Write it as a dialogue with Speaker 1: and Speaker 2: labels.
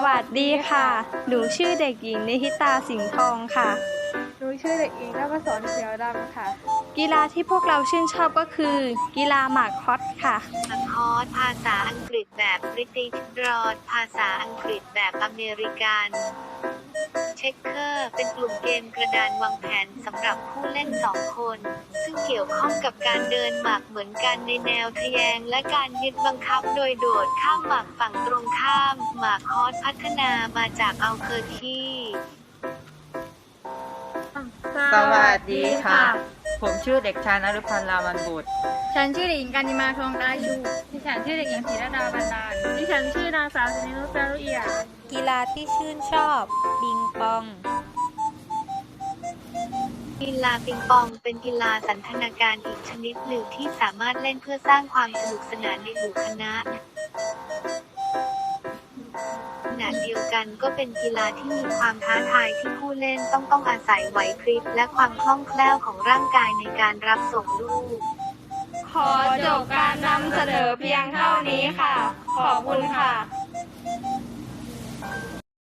Speaker 1: วัสดีค่ะ หนูชื่อเด็กหญิงนิธิตาสิงห์ทองค่ะ
Speaker 2: หนูชื่อเด็กหญิงนภศรเขียวดำค่ะ
Speaker 1: กีฬาที่พวกเราชื่นชอบก็คือ กีฬาหมากฮอตค่ะ
Speaker 3: คอร์สภาษาอังกฤษแบบบริติชรอดภาษาอังกฤษแบบอเมริกันเช็คเกอร์เป็นกลุ่มเกมกระดานวางแผนสำหรับผู้เล่น2 คน ซึ่งเกี่ยวข้องกับการเดินหมากเหมือนกันในแนวทะแยงและการยึดบังคับโดยโดดข้ามหมากฝั่งตรงข้าม หมากฮอสพัฒนามาจากอัลเคอร์คี
Speaker 4: สวัสดีค่ะ ผมชื่อเด็กชายนฤพันธ์ รามันบุตร
Speaker 2: ฉันชื่อเด็กหญิงกันิมาทองได้ชูดิฉันชื่อเด็กหญิงศรีระดาบรรดาลดิฉันชื่อนางสาวสินินุชแปรุเอียด
Speaker 1: กีฬาที่ชื่นชอบปิงปอง
Speaker 3: กีฬาปิงปองเป็นกีฬาสันทนาการอีกชนิดหนึ่งที่สามารถเล่นเพื่อสร้างความสนุกสนานในหมู่คณะขณะเดียวกันก็เป็นกีฬาที่มีความท้าทายที่ผู้เล่นต้องอาศัยไหวพริบและความคล่องแคล่วของร่างกายในการรับส่งลูก
Speaker 1: ขอจบการนำเสนอเพียงเท่านี้ค่ะ ขอบคุณค่ะ